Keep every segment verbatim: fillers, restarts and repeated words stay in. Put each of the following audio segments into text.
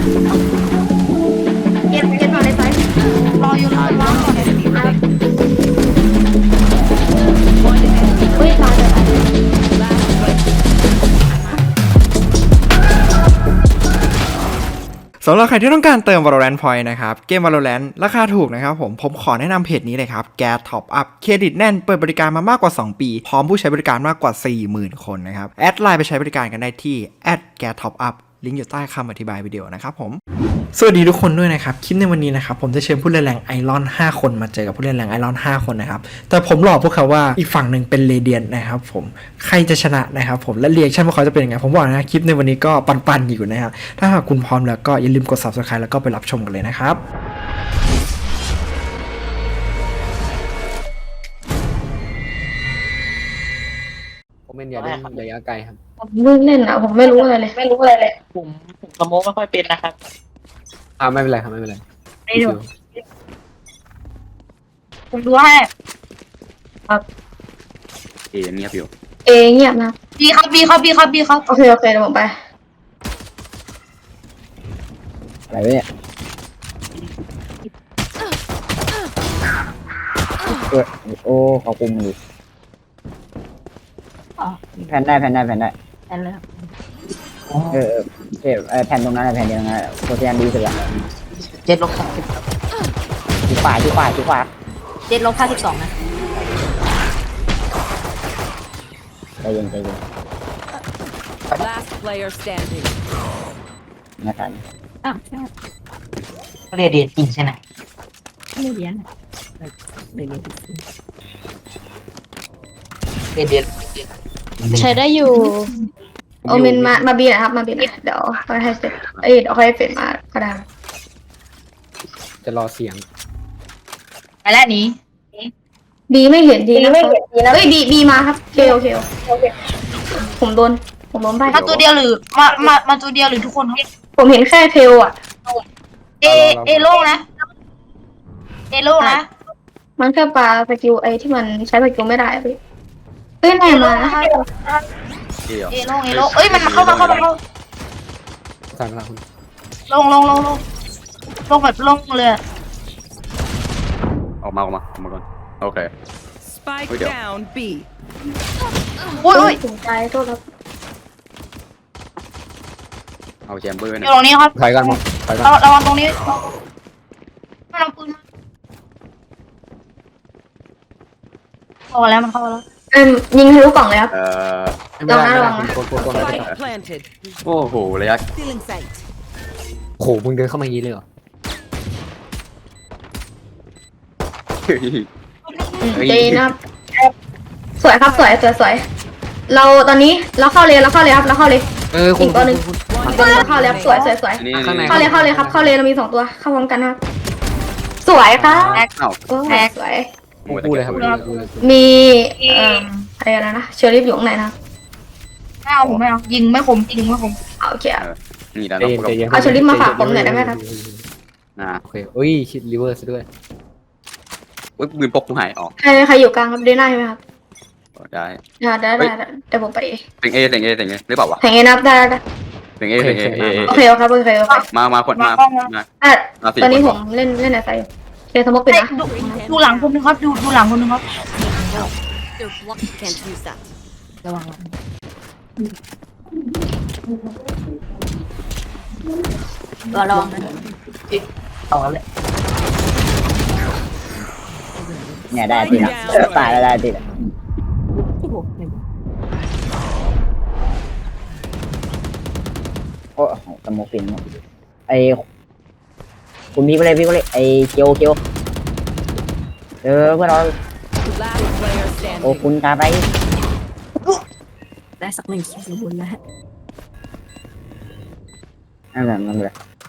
เก็บเก็บมาเลยไปรออยู่รอรอก่อนเฮ้ยตายเลยสำหรับใครที่ต้องการเติม Valorant Point นะครับเกม Valorant ราคาถูกนะครับผมผมขอแนะนำเพจนี้เลยครับ Gas Top Up เครดิตแน่นเปิดบริการมามากกว่า สอง ปีพร้อมผู้ใช้บริการมากกว่า สี่หมื่น คนนะครับแอดไลน์ไปใช้บริการกันได้ที่ แอท แกส ท็อปอัพ ลิงก์อยู่ใต้คำอธิบายวิดีโอนะครับผมสวัสดีทุกคนด้วยนะครับคลิปในวันนี้นะครับผมจะเชิญผู้เล่นแรงไอรอนห้าคนมาเจอกับผู้เล่นแรงไอรอนห้าคนนะครับแต่ผมหลอกพวกเขาว่าอีกฝั่งหนึ่งเป็นเรเดียนนะครับผมใครจะชนะนะครับผมและเรียกชั่นพวกเขาจะเป็นยังไงผมบอกนะคลิปในวันนี้ก็ปันๆอยู่นะครับถ้าหากคุณพร้อมแล้วก็อย่าลืมกด ซับสไครบ์ แล้วก็ไปรับชมกันเลยนะครับผมเป็นอย่าเล่นระยะไกลครับผมเพิ่งเล่นอ่ะผมไม่รู้อะไรเลยไม่รู้อะไรเลยผมผมสโมกไม่ค่อยเป็นนะครับอ่าไม่เป็นไรครับไม่เป็นไรไม่ดูผมดูให้ครับเอเงียบอยู่เอเงียบนะบีครับบีครับบีครับบีครับโอเคโอเคเดี๋ยวผมไปอะไรวะเนี่ยเออโอ้เขาคุมอยู่แผ่นได้แผ่นได้แผ่นได้แอนเลยเออเออเออเออแผ่นตรงนั้นแผ่นเดียวนั้นโคตรยันดีสุดละเจ็ดลบสามสิบที่ขวาที่ขวาที่ขวาเจ็ดลบห้าสิบสองนะใจเย็นใจเย็น Last player standing. นะทันอ้าวใช่เรียนเรียนจริงใช่ไหมไม่เรียนเรียนเรียนเรียนเรียนใช้ได้อยู่โอเมนมามาบีนะครับมาบีนะเดี๋ยวค่อยให้เสร็จเอ้ยเดี๋ยวค่อยให้เสร็จมาก็ได้จะรอเสียงไปแล้วนี้บีไม่เห็นดีนะไม่เห็นดีนะเอ้ยบีบีมาครับเคโอเคโอเคผมโดนผมโดนไปมาตัวเดียวหรือมามามาตัวเดียวหรือทุกคนครับผมเห็นแค่เทลอ่ะเอเอโล่งนะเอโล่งนะมันแค่ปลาสกิลไอที่มันใช้สกิลไม่ได้อะพี่เอ้ยไหนมาเอเหรอเอโล่งเอโล่งเอ้ยมันมาเข้ามาเข้ามาเข้าสั่งละคุณลงลงลงลงลงแบบลงเลยอะออกมาออกมาออกมาก่อนโอเค Spike Wait, yeah. down B. อุ้ยอุ้ยถึงใจโทษครับเอาแชมเบอร์อนะยู่ตรงนี้ครับถอยกันหมดถอยกันระระวังตรงนี้มันเอาปืนมาเข้ามาแล้วมันเข้ามาแล้วเอ็มยิงทะลุกล่องเลยครับเอ่อไม่ได้ไม่ระวัได้งนะคุณโกนโกนโกน Spike planted. โอ้โหระยะ Still in sight. โอ้โหมึงเดินเข้ามาอย่างนี้เลยเหรอเฮ้ยอืมใจเย็นนะครับสวยครับสวยสวยสวยเราตอนนี้เราเข้าเลยเราเข้าเลยครับเราเข้าเลยเออคุอีณกตัวหนึ่งคุณอีกตัวหนึงเราเข้าเลยครับสวยสวยสวยนี่ข้างในเข้าเลยเข้าเลยครับเข้าเลยเรามีสองตัวเข้าพร้อมกันนะครับสวยครับอ้าวโอ้สวยโอ้ยพูดเลยครับพูดเลยพูดเลยมีเอ่ออะไรนะนะเชอร์ริฟอยู่ข้างในนะไม่เอาผมไม่เอายิงไม่คมยิงไม่คมเอาโอเคอะนี่แล้วใจเนาะเย็นใจเย็นเอาเชอร์ริฟมาฝากผมหน่อยได้ไหมครับอ่าโอเคอุ้ยชิดริเวอร์ซะด้วยอุ้ยปืนพกกูหายออกใครใครอยู่กลางครับเดน่าใช่ไหมครับได้ได้ได้ได้ได้เดี๋ยวผมไปเสียงเอเสียงเอเสียงเอหรือเปล่าวะแข่งเองนะครับได้ได้ได้เสียงเอเสียงเอเอโอเคโอเคครับโอเคโอเคมามาคนมามาอ่ะมาสี่ตอนนี้คผมเล่นเล่นอะไรอยู่เคสมกปิดเอ้ยนะดูดูหลังคนนึงครับดูดูหลังคนนึงครับ They're blocked. Can't use that. ระวังระวังระวังนะเอาแล้วแหละเนี่ยได้ติดละตายแล้วได้ติดละโอ้โหสโมกฟินหมดไอคุณพี่ก็เลยพี่ก็เลยไอเกียวเกียวเออเพื่อนเรา Last player โอ้ standing. คุณตาไปได้สักหนึ่งคิวบุญแล้วนั่นแหละนั่นแหละ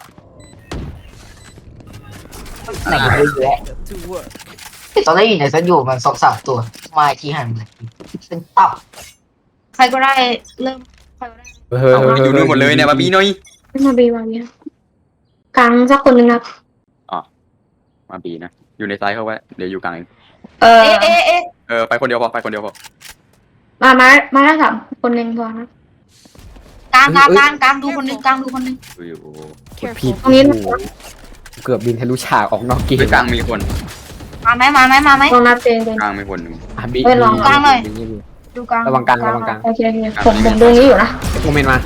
ไหนเยอะแยะ To work. ตอนแรกอยู่ไหนซะอยู่มันสองสามตัวมาอีกทีหันมาเป็นตับใครก็ได้เริ่มใครก็ได้เฮ้ยอยู่นู่นหมดเลยเนี่ยมาบีหน่อยมาบีวางเนี้ยกลางสักคนหนึ่งครับมาบีนะอยู่ในไซส์เขาไว้เดี๋ยวอยู่กลางเองเออเอเอเอเออไปคนเดียวพอไปคนเดียวพอมามามาได้สามคนหนึ่งพอนะกลางกลางกลางกลางดูคนนึงกลางดูคนนึงดูอยู่ผิดตรงนี้โอ้โหเกือบบินทะลุฉากออกนอกเกมไปกลางมีคนมาไหมมาไหมมาไหมลองนับเองเองกลางมีคนหนึ่งอ่ะบีเอ้ยลองกลางหน่อยบีบีบีดูกลางระวังกลางระวังกลางโอเคโอเคผมผมดูนี้อยู่นะโมเมนต์มา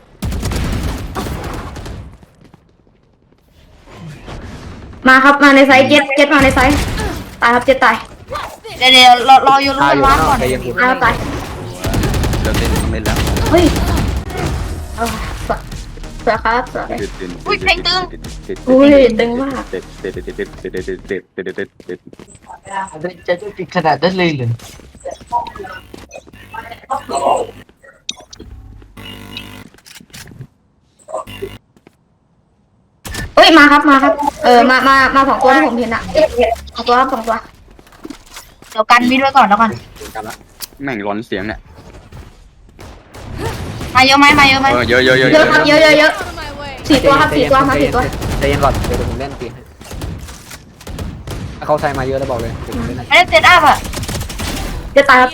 มาครับมาในไซส์เจ็ดเจ็ดมาในไซส์ตายครับเจ็ดตายเดี๋ยวเดี๋ยวรอรออยู่ตายรู้อยู่ว่าข้างนอก่อก นใจเย็นคุณตายครับตายเริ่มเล่นต้องเล่นแล้วเฮ้ยเอาสวยสวยครับสวยอุ้ยเพลงตึงอุ้ยตึงมากเด็ดเด็ดเด็ดเด็ดเด็ดเด็ดเด็ดเด็ดเด็ดเด็ดเด็ดจะจะปิดขนาดนั้นเลยเหรอเฮ้ยมาครับมาครับเออมามามาสองตัวที่ผมเห็นอะสองตัวครับสองตัวเดี๋ยวกันมิดไว้ก่อนแล้วกันกลับละแม่งร้อนเสียงเนี่ยมาเยอะไหมมาเยอะไหมเออเยอะเยอะเยอะเยอะครับเยอะเยอะเยอะสี่ตัวครับสี่ตัวมาสี่ตัวใจเย็นก่อนเดี๋ยวผมเล่นตีให้ถ้าเขาใส่มาเยอะแล้วบอกเลยเดี๋ยวผมเล่นให้ไม่ได้เซตอัพอ่ะเจ็ดตายครับ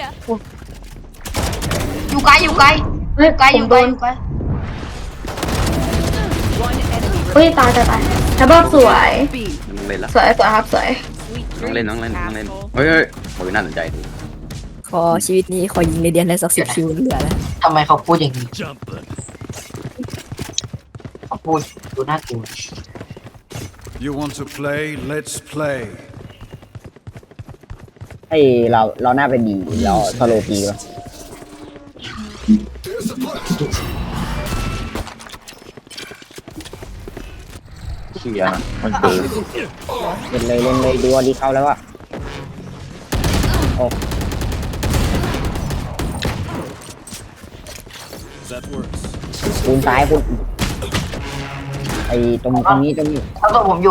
อยู่ไกลอยู่ไกลเฮ้ยไกลผอมยู่โดไกลนอยู่ไกล One enemy เฮ้ยตายตายตายทับเบิลสวย B. ต้องเล่นละสวยสวยครับสวย Sweet ต้องเล่น dreams, ต้องเล่นต้องเล่น asshole. เฮ้ยเฮ้ยโอ้ยน่าสนใจดีขอชีวิตนี้ขอยิงในเดียนได้สักสิบคิวเหลือแล้วทำไมเขาพูดอย่างนี้เขาพูดดูน่ากลัว You want to play? Let's play. ให้เราเราหน้าเป็นดีเราสโลปีวะเชียร์นะมันเกินเล่นเลยเล่นเลยดูว่าดีเข้าแล้วอะโอ้ That works. คูณซ้ายคูณไอ้ตรงตรงนี้ตรงนี้เขาตัวผมอยู่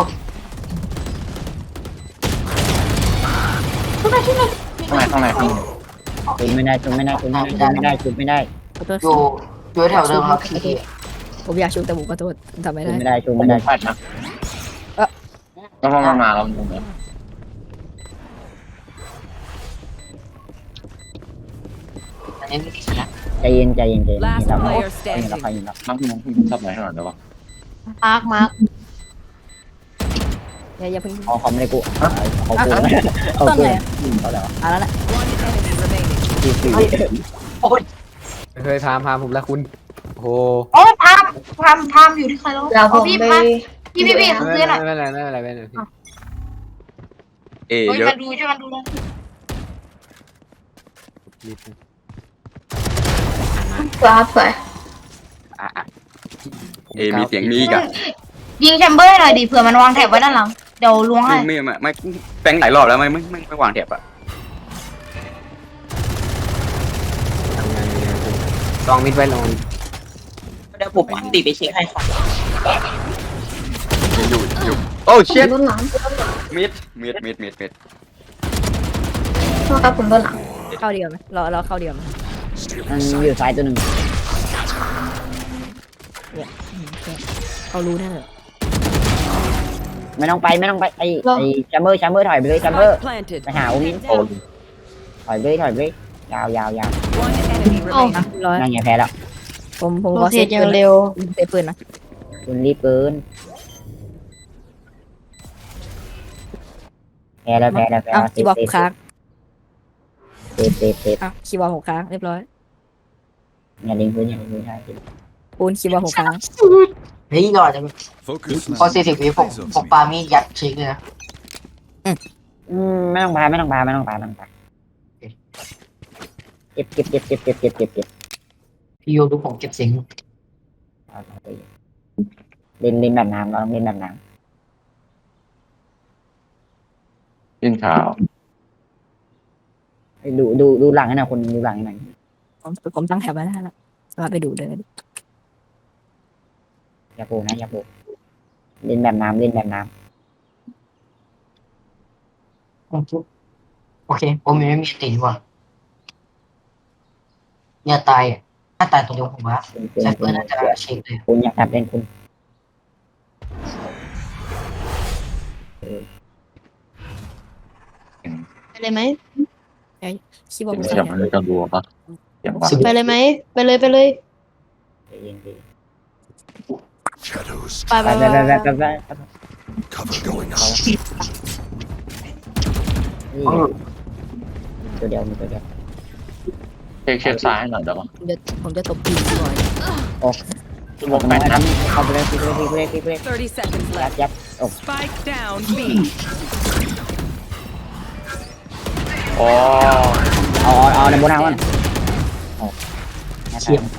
ข้างในข้างในข้างในคูณไม่ได้คูณไม่ได้คูณไม่ได้คูณไม่ได้คูณไม่ได้ขอโทษอยู่อยู่แถวเดิมครับพี่ผมอยากชุบแต่ผมขอโทษทำไม่คูณได้ไม่ได้คูณไม่ได้พลาดนะแล้วพอมันมาแล้วมันอันนี้ไม่ติดนะใจเย็นใจเย็นใจเย็น Last เรา player เรา standing. เราใครยิงเราน้ำพี่น้ำพี่ชอบไหนขนาดนั้นวะมาร์กมาร์กอย่าอย่าเพิ่งเขาเขาไม่ได้กูเขาเขากูเขาต้นกูไหนเขาแล้วอ่ะแล้วแหละ One enemy remaining. ที่สี่โอ้ยเฮ้ยพามพามผมแล้วคุณโอ้โหโอ้ยพามพามพามอยู่ที่ใครแล้วเราผเอามพี่ไปมาพี่พี่พี่เขาไม่ซื้อหน่อยเป็นไรไม่เป็นไรไม่เป็นไรพี่เอเฮ้ยเยอะมาดูช่วยกันดูเลยรีบนะสวยครับสวยอ่ะอ่ะเอมีเสียงมีอีกอ่ะยิงแชมเบอร์ให้หน่อยดิเผื่อมันวางแถบไว้ด้านหลังเดี๋ยวล้วงให้ไม่ไม่ไม่แปลงหลายรอบแล้วไม่ไม่ไม่ไม่วางแถบอ่ะทำงานยังไงคุณลองมิดไว้ลองมิดเดี๋ยวผมติดไปเช็คให้ครับอยู่อยู่โอ้เชิดโดนหลังมิดมิดมิดมิดมิดโทษครับผมโดนหลังเข้าเดียวไหมเราเราเข้าเดียวไหมมันอยู่ซ้ายตัวหนึ่งเนี่ยอืมแค่เขารู้แน่เลยไม่ต้องไปไม่ต้องไปไอ้ไอ้แชมเบอร์แชมเบอร์ถอยไปเลยแชมเบอ Spike ร์ planted. ไปหาโอมิน Down. ถอยไปเลยถอยไปเลยยาวยาวยาว One enemy remaining. อ่ะร้อยนั่นไงแพ้แล้วผมผมโรขอเทเซตฟยัปืงนเร็วเซฟปืนนะคุณรีบเกินแพ้แล้วแพ้แล้วแพ้อ้าวแล้วคีย์บอร์ดผมค้างเซฟเซฟเซฟอ้าวคีย์บอร์ดผมค้างเรียบร้อยอย่าลิงพื้นอย่าลิงพื้นใช่ปูนคีย์บอร์ดผมค้างเฮ้ยรอจะ Focus พอ now. สี่สิบวิผมผมปามีดยัดเช็คเลยนะอืมไม่ต้องพาไม่ต้องพาไม่ต้องพาไม่ต้องพาเก็บเก็บเก็บเก็บเก็บเก็บเก็บเก็บพี่โยดูผมเก็บเสียงเอาไปเล่นเล่นแบบน้ำเราต้องเล่นแบบน้ยินข่าวำดูดูดูหลังให้หน่อยคนดูหลังให้หน่อยผมผมตั้งแถบไว้แล้วนะสามารถไปดูได้เลยอย่าโผล่นะอย่าโผล่เล่นแบบน้ำเล่นแบบน้โอเคผมยังไม่มีติดว่ะเนี่ยตายอ่ะถ้าตายตัวเดียวผมว่าำคุณแซฟเฟคุอณร์น่าจะเช็คเลยคุณอยากจับเล่นคุณไปเลยไหมคีย์บอร์ดผมเสีค้าย งงมันเลยกระดัวปะเสียงวะไปเลยไหมไปเลยไปเลยเย็นดี Shadows. ไปไปไปไปไปไปไปไป Cover going out. นี่ตัวเดียวมีตัวเดียวเช็คเช็คซ้ายให้หน่อยได้ปะผมจะผมจะตบปีกก่อนโอ้วงแปดนัดเข้าไปเลยพี่ไปเลยพี่ไปเลยพี่ไปเลย thirty seconds ยัด left. ยัดโอ้ Spike down B. อ๋อเอาเอาเอาในบนทางมันเชี่ยม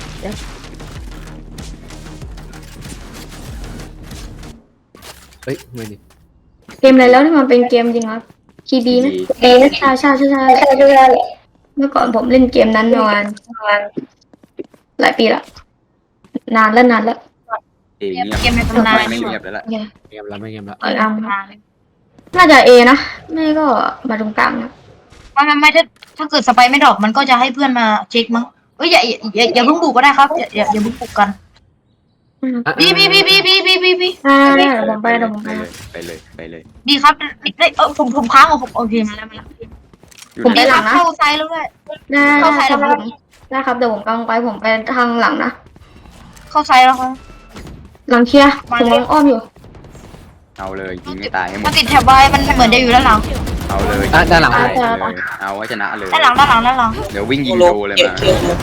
เฮ้ยไม่ดิเกมอะไรแล้วที่มันเป็นเกมจริงครับคีบีไหมเอใช่ใช่ใช่ใช่ใช่เมื่อก่อนผมเล่นเกมนั้นประมาณประมาณหลายปีละนานแล้วนานแล้วเอเงียบเกมในตำนานไม่เงียบแล้วล่ะโอเคเกมแล้วไม่เกมแล้วเออเอาน่าจะเอนะไม่ก็มาตรงกลางนะไม่ไม่ไม่ถ้าถ้าเกิดสไปไม่ดรอปมันก็จะให้เพื่อนมาเช็คมั้งเอ้ยอย่าอย่าอย่าอย่าเพิ่งบุกก็ได้ครับอย่าอย่าอย่าเพิ่งบุกกันบีบีบีบีบีบีบีบีอ่าได้เดี๋ยวผมไปเดี๋ยวผมไปไปเลยไปเลยไปเลยดีครับได้เออผมผมค้างของผมโอเคมาแล้วมาแล้วอยู่ผมในไปหลังนะเข้าซ้ายแล้วด้วยได้เข้าซ้ายคแล้รัวบผมได้ครับเดี๋ยวผมกำลังไปผมไปทางหลังนะเข้าซ้ายแล้วครับหลังเคลียร์ผมกำลังอ้อมอยู่เอาเลยยิงไม่ตายให้หมมัดนติดแถบไว้มันเหมือนจะอยู่ด้านหลังเอาเลยอ่ะด้านหลังเลยเอาไว้ชนะเลยด้านหลังด้านหลังด้านหลังเดี๋ยววิ่งยิงโดเลยมา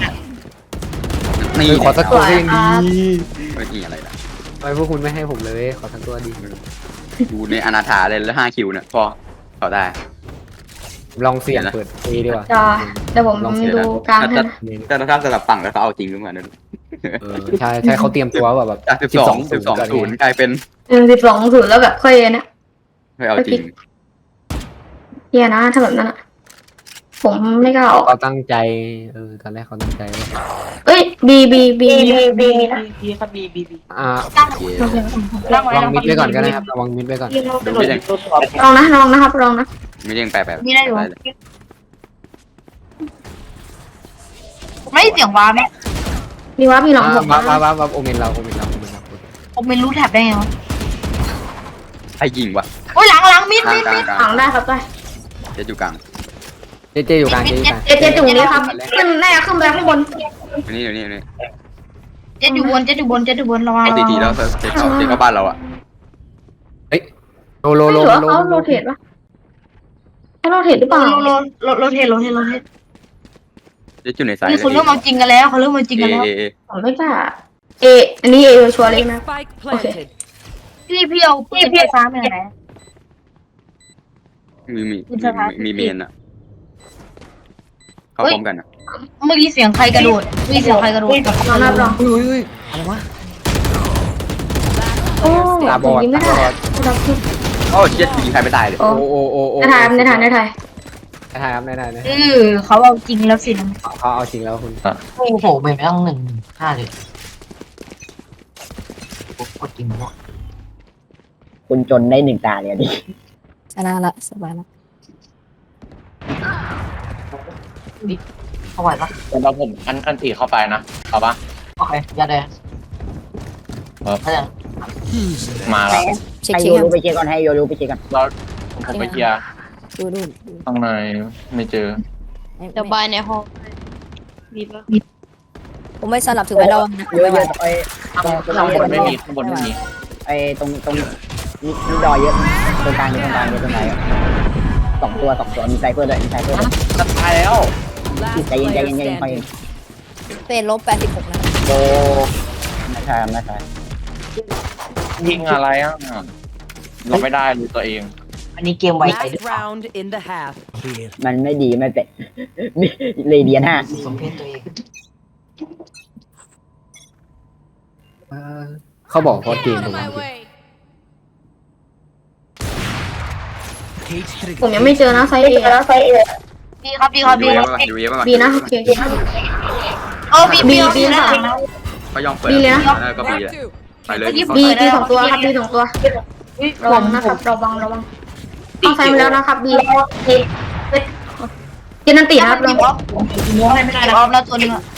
นี่เฮ้ยขอสักตัวก็ยังดีไม่ยิงอะไรล่ะทำไมพวกคุณไม่ให้ผมเลยขอสักตัวดีดูในอนาถาเลยแล้วห้าคิวเนี่ยพอเขาได้ลองเสี่ยงเปิดเอดีกว่าจะเดี๋ยวผมดูกลางให้นะแต่ถ้าสลับฝั่งแล้วเขาเอาจริงหรือเปล่าเนี่ยเออใช่ใช่เขาเตรียมตัวแบบแบบจากสิบสองสิบสองศูนย์กลายเป็นหนึ่งสิบสองศูนย์แล้วแบบค่อยนะไม่เอาจริงเฮียนะถ้าแบบนั้นอะผมไม่กล้าออกเขาตั้งใจเออตอนแรกเขาตั้งใจเอ้ยบีบีบีบีมีนะอ่าตั้งโอเคโอเคตั้งไว้ระวัแล้งวมิดไว้ก่อนก็ได้ครับระวังมิดไว้ก่อนดูไม่ยังลองนะลองนะครับลองนะไม่ยังแปลแปลมีได้อยู่ไม่เสียงว้าไหมมีว่าพี่หลังผมว้าว้าว้าว้าโอเมนเราโอเมนเราโอเมนเราผมไม่รู้แถบได้ไงวะใครยิงวะโอ้ยหลังหลังมิดกลางมิดกลางมิดกลางหลังได้ครับได้เจ็ดอยู่กลางเจเจอยู่กลางเจอยู่กลางเจเจจุ่มนี้ครับขึ้นแน่ขึ้นไปข้างบนอยู่นี่อยู่นี่อยู่นี่เจ็ดอยู่บนเจ็ดอยู่บนเจ็ดอยู่บนระวังเอาทีทีแล้วเจ็ดเข้าเจ็ดเข้าบ้านเราอ่ะเฮ้ยโลโลไม่โลรู้ว่าโลเขาโรเทตปะเขาโรเทตหรือเปล่าโลโลโลโลเทโลเทโลเทเจ็ดอยู่ในสายนี่เขาเริ่มมาจริงกันแล้วเขาเริ่มมาจริงเอกันแล้วเอเอผมไม่กล้าเออันนี้เอชัวร์เลยนะ Spike planted. พี่พี่เอาพี่พี่ฟ้าไปไหนมีมีคุณสถานมีเมนอ่ะเข้าพร้อมกันอ่ะเมื่อกี้เสียงใครกระโดดเมื่อกี้เสียงใครกระโดดลองนับลองอุ้ยอุ้ยอะไรวะโอ้ตาบผอมดยิงไม่ตาได้บอดรับทุกโอ้เจ็ดยิงใครไม่ตายเลยโอ้โอ้โอ้โอ้โอ้ในไทยในไทยในไทยในไทยครับในไทยนะเออเขาเอาจริงแล้วสิเขาเอาจริงแล้วคุณโอ้โหเป็นไม่ต้องหนึ่งห้าเลยกดจริงวะคุณจนได้หนึ่งตาเลยดิชนะละสบายละเข้าไหวปะเราผมอันอันตีเข้าไปนะเอาปะโอเคยัดเลยถ้าอย่างมาแล้วเช็คให้เช็โยครูไปเช็คก่อนให้โยรูไปเช็คก่อนเราผมไปเคลียร์ดูดูดูข้างในไม่เจอเดี๋ยวบายในห้องมีปะผมไม่สลับถือไว้ระวังนะเยอะเยอะไอ้ตรงตรงข้างบนตรงไม่มีข้างบนไม่มีไอ้ตรงตรงนี่นี่ดอยเยอะตรงกลางเยอะตรงกลางเยอะตรงไหนสองตัวสองตัวมีไซเฟอร์ด้วยมีไซเฟอร์ด้วยจะตายแล้ว Last ใจเย็นใจ player เย็นใจเย็นคอย standing. เป็นลบแปดสิบหกนะโตไม่ใช่ไม่ใช่ยิงอะไรอ่ะเราไม่ได้ดูตัวเองอันนี้เกมไวไปหรือ Last เปล่า round in the half. มันไม่ดีไม่เป็นเลยเดียนห้าสมเพศตัวเองเออเขาบอกเพราะเกมผมผมยังไม่เจอนะไซเอแล้วไซเอดีครับดีครับดูดีเยคอะรับป่ะดูเยอะป่ะบีนะโอเคเออบีบีบีนะก็ยอมเปิดก็บีอ่ะไปเลยบีบีสองตัวครับบีสองตัวระวังนะครับระวังระวังเข้าไซมาแล้วนะครับบีเจนันตีนะครับลบีองออฟไม่ได้ออฟแล้วตัวนึงอะ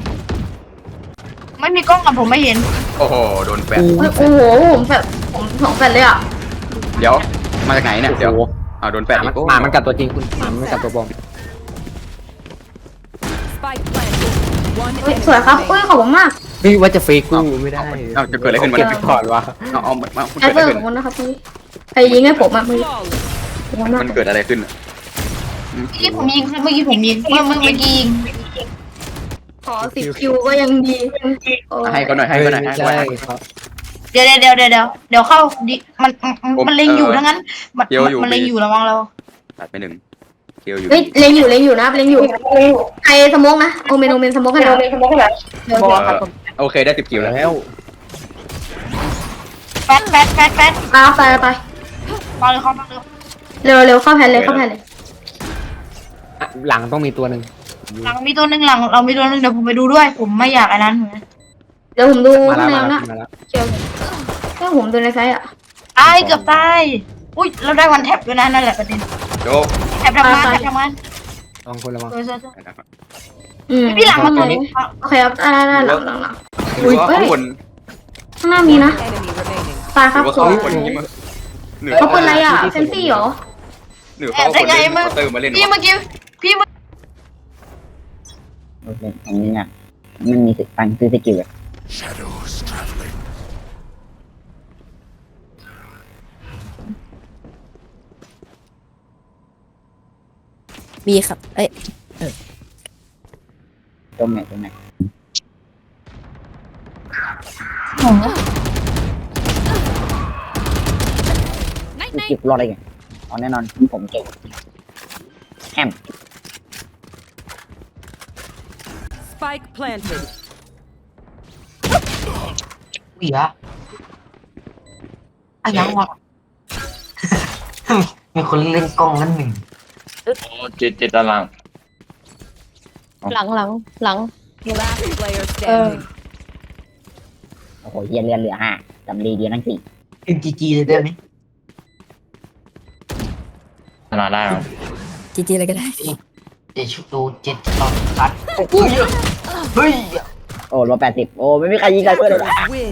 ไม่มีกล้องกับผมไม่เห็นโอ้โหโดนแปดโอ้โหผมแบบผมสองแฟนเลยอ่ะเดี๋ยวมาจากไหนเนี่ยเดี๋ยวอ้าวโดนหแปดมาอีมันกหมามันกัดตัวจริงคุณหมามันกัดตัวปลอม Spike planted. One เฮ้ย enemy สวยครับ remaining. เอ้ยขอบคุณมากเฮ้ยว่าจะเฟกกูไม่ได้เอาจะเกิดอะไรขึ้นเก็บมันก่อนวะเอาเอามาแอดเวอร์ของคนนะครับพี่ใครยิงให้ผมอ่ะมือมันเกิดอะไรขึ้นเมื่อกี้ผมยิงครับเมื่อกี้ผมยิงเมื่อเมื่อเมื่อกี้ยิงขอสิบคิวก็ยังดีโอ้ยให้ก็หน่อยให้ก็หน่อยให้ก็ใช่หน่อยครับเดี๋ยวเดี๋ยวเดี๋ยวเดี๋ยวเดี๋ยวเข้าดิมันมันมันเล็งอยู่ทั้งนั้นมันมันเล็งอยู่ระวังเราตัดไปหนึ่งเคียวอยู่เฮ้ยเล็งอยู่เล็งอยู่นะเล็งอยู่ใครสโมกนะโอเมนโอเมนสโมกขนาดเดี๋ยวโอเคได้สิบคิวแล้วแล้วแฟดแฟดแฟดแฟดตาไปไปมาเลยเข้ามาเลยเร็วเร็วเข้าแพนเลยเข้าแพนเลยอ่ะหลังต้องมีตัวหนึ่งหลังมีตัวหนึ่งหลังเรามีตัวหนึ่งเดี๋ยวผมไปดูด้วย ผมไม่อยากอันนั้นเหมือนกันเดี๋ยวผมดูมาข้างแล้วในมาแล้วนะมาแล้วเกี่ยวถ้าผมดูในไซต์อ่ะตายเกือบตายอุ้ยเราได้วันแท็บด้วยนะนั่นแหละประเด็นโจแท็บทำงานแท็บทำงานลองคนละมั้งเออเออเอออืมพี่หลังมันโอเคโอเคครับได้ได้หลังหลังหลังหรือว่าข้างบนข้างหน้ามีนะ Enemy remaining. ตายหครัรืบอว่าโซ่เขาคนนี้มาหรือเขาเป็นอะไรอ่ะเฟนซี่เหรอหรือเขาคนเล่นเติมมาเล่นพี่เมื่อกี้พี่เมื่อโอเคอันนี้อ่ะมันมีสิทธิ์ตังค์ซื้อสกิลอะ Shadows traveling. มีครับ เอ้ยตรงไหนตรงไหนสกิลรอดได้ไงอ๋อแน่นอนผมเก่งแฮม Spike planted. อุ้ยอะอะยังวะ มีคนเล่นกล้องนั่นหนึ่งโอ้เจ็ดเจ็ดตารางหลังหลังหลัง Last player standing. โอ้โหเฮียเรียนเหลือห้าจำรีเดียวทั้งสี่เป็นจีจีเลยได้ไหมชนะได้ครับจีจีอะไรก็ได้เจ็ดชุดดูเจ็ดตอนชัดเฮ้ยเฮ้ยโอ้ลบแปดสิบโอ้ไม่มีใครยิงใครเพื่อนเลย Win.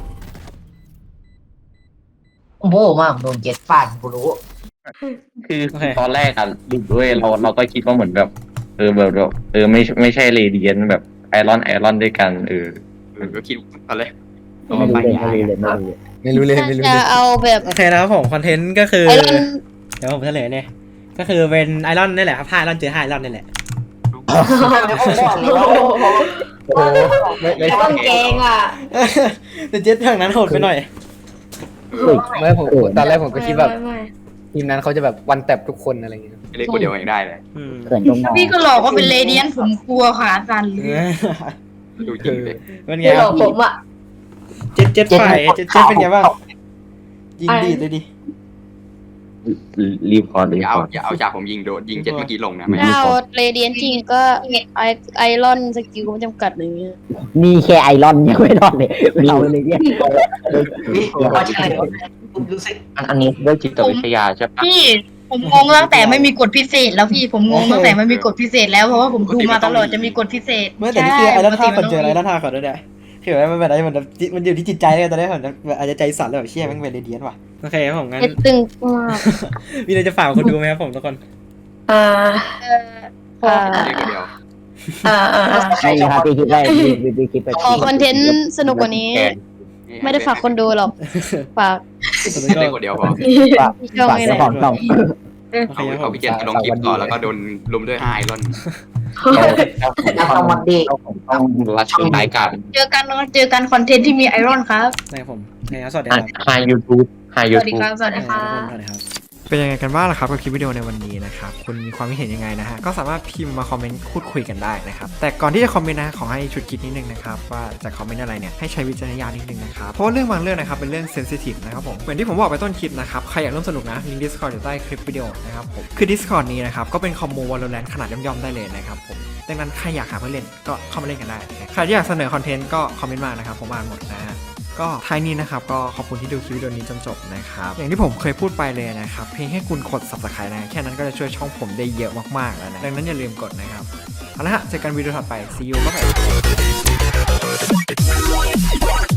โอ้โหมากโดนเจ็ดฟาดกูรู้คือตอนแรกอะดูด้วยเราเราก็คิดว่าเหมือนแบบเออแบบแบบเออไม่ไม่ใช่เรเดียนแบบไอรอนไอรอนด้วยกันเออเออก็คิดตอนแรกไม่รู้เลยไม่รู้เลยไม่รู้เลยไม่รู้เลยไม่รู้เลยจะเอาแบบโอเคนะครับผมคอนเทนต์ก็คือไอรอนเดี๋ยวผมเฉลยเนี่ยก็คือเป็นไอรอนนี่แหละครับถ้าไอรอนเจอห้าไอรอนนี่แหละโอ้ไม่ไม่ต้องแกงอ่ะแต่เจ็ดทางนั้นโหดไปหน่อยไม่ผมตอนแรกผมก็คิดแบบไม่ไม่ทีมนั้นเขาจะแบบวันแตบทุกคนอะไรอย่างเงี้ยเล่นคนเดียวเองได้เลยอืมเขินตรงนอพี่ก็หลอกว่าเป็นเรเดียนผมกลัวขาสั่นเลยดูจริงเลยเป็นไงไม่หคลรัอบ กผมอ่ะเจ็ดเจ็ดฝ่ายเจ็ดเจ็ดเป็นไงบ้างยิงดีดเลยดิรีบพออย่าเอาอย่าเอาจากผมยิงโดนยิงเจ็ดเมื่อกี้ลงนะไม่ถ้าเอาเรเดียนจริงก็ไอไอรอนสกิลไม่จำกัดอะไรเงี้ยนี่แค่ไอรอนยังไม่รอดเลยเราเลยเนี่ยนี่ว่าใช่รู้สึกอันนี้ด้วยจิตวิทยาใช่ปะพี่ผมงงตั้งแต่ไม่มีกฎพิเศษแล้วพี่ผมงงตั้งแต่ไม่มีกฎพิเศษแล้วเพราะว่าผมดูมาตลอดจะมีกฎพิเศษเมื่อแต่นี่คือไอรอนท่าใช่ก่อนเจอไอรอนท่าก่อนด้วยเนี่ยคือแบบมันเป็นอะไรมันแบบมันอยู่ที่จิตใจเลยตอนนี้ผมแบบอาจจะใจสั่นเลยแบบเชี่ยแม่งเป็นเรเดียนว่ะโอเคครับผมงั้นเจ็ดตึงมากมีอะไรจะฝากคนดูไหมครับผมทุกคนเอ่อเออขอเล่นคนเดียวเอ่อเอ่อเอ่อไม่ครับพี่คิดได้พี่พี่คิดไปขอคอนเทนต์สนุกกว่านี้ ไม่ได้ฝากคนดูหรอก ฝากเล่นคนเดียวพอฝากที่ช่องฝากนี่แหเจ้าละของช่องโอเคครับผเอามพี่เจนลงคลิปต่อแล้วก็โดนลุมด้วยห้าไอรอนนักสวัสดีต้องรัดช่วงท้ายกันเจอกันเจอกันคอนเทนต์ที่มีไอรอนครับนะครับผมนะครับสวัสดีครับไฮยูทูบไฮสยูวัสดีทูบครับสวัสดีครับสวัสดีครับเป็นยังไงกันบ้างล่ะครับกับคลิปวิดีโอในวันนี้นะครับคุณมีความคิดเห็นยังไงนะฮะก็สามารถพิมพ์มาคอมเมนต์พูดคุยกันได้นะครับแต่ก่อนที่จะคอมเมนต์นะขอให้ชุดคิดนิดนึงนะครับว่าจะคอมเมนต์อะไรเนี่ยให้ใช้วิจารณญาณนิดนึงนะครับเพราะว่าเรื่องบางเรื่องนะครับเป็นเรื่องเซนซิทีฟนะครับผมเหมือนที่ผมบอกไปต้นคลิปนะครับใครอยากร่วมสนุกนะลิงก์ Discord อยู่ใต้คลิปวิดีโอนะครับผมคือ Discord นี้นะครับก็เป็นคอมมู Valorant ขนาดย่อมๆได้เลยนะครับผมดังนั้นใครอยากหาเพื่อนเล่นก็เข้ามาเล่นกันได้ใครที่อยากเสนอคอนเทนต์ก็คอมเมนต์มานะครับผมอ่านหมดนะฮะก็ท้ายนี้นะครับก็ขอบคุณที่ดูคลิปวิดีโอนี้จนจบนะครับอย่างที่ผมเคยพูดไปเลยนะครับเพียงแค่คุณกด Subscribe นะแค่นั้นก็จะช่วยช่องผมได้เยอะมากๆแล้วนะดังนั้นอย่าลืมกดนะครับเอาละฮะเจอกันวิดีโอถัดไป see you บ๊ายบาย